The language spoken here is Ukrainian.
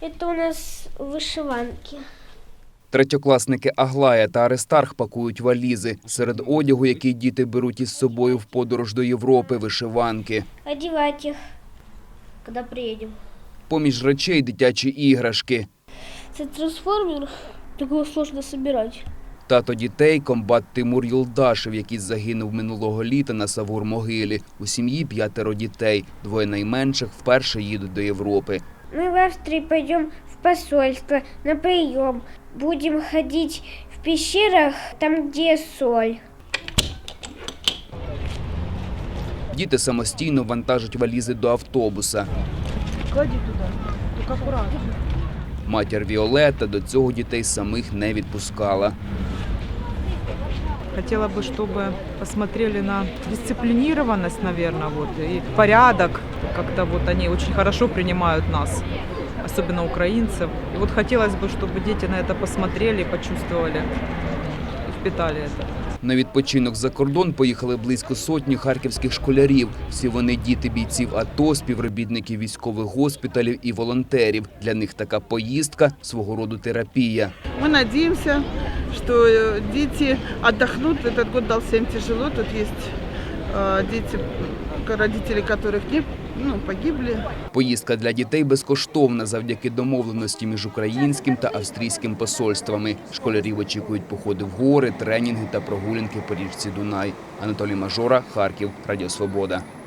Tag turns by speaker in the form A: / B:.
A: Это у нас вышиванки.
B: Третьокласники Аглая та Аристарх пакують валізи. Серед одягу, який діти беруть із собою в подорож до Європи – вишиванки.
A: Одевать их, когда приедем.
B: Поміж речей – дитячі іграшки.
A: Это трансформер, такого сложно собирать.
B: Тато дітей – комбат Тимур Юлдашев, який загинув минулого літа на Савур-могилі. У сім'ї 5 дітей. 2 найменших вперше їдуть до Європи.
A: Мы в Австрии пойдем в посольство на прием. Будем ходить в пещерах, там, где соль.
B: Діти самостійно вантажать валізи до автобуса.
C: Клади туда, только аккуратно.
B: Матір Віолетта до цього дітей самих не відпускала.
C: Хотела бы, чтобы посмотрели на дисциплинированность, наверное, вот, и порядок. Как-то вот они очень хорошо принимают нас, особенно украинцев. И вот хотелось бы, чтобы дети на это посмотрели, почувствовали и впитали это.
B: На відпочинок за кордон поїхали близько сотні харківських школярів. Всі вони діти бійців АТО, співробітників військових госпіталів і волонтерів. Для них така поїздка – свого роду терапія.
D: Мы надеемся, что дети отдохнут. Этот год дался им тяжело. Тут есть дети, родители которых погибли.
B: Поїздка для дітей безкоштовна завдяки домовленості між українським та австрійським посольствами. Школярів очікують походи в гори, тренінги та прогулянки по річці Дунай. Анатолій Мажора, Харків, Радіо Свобода.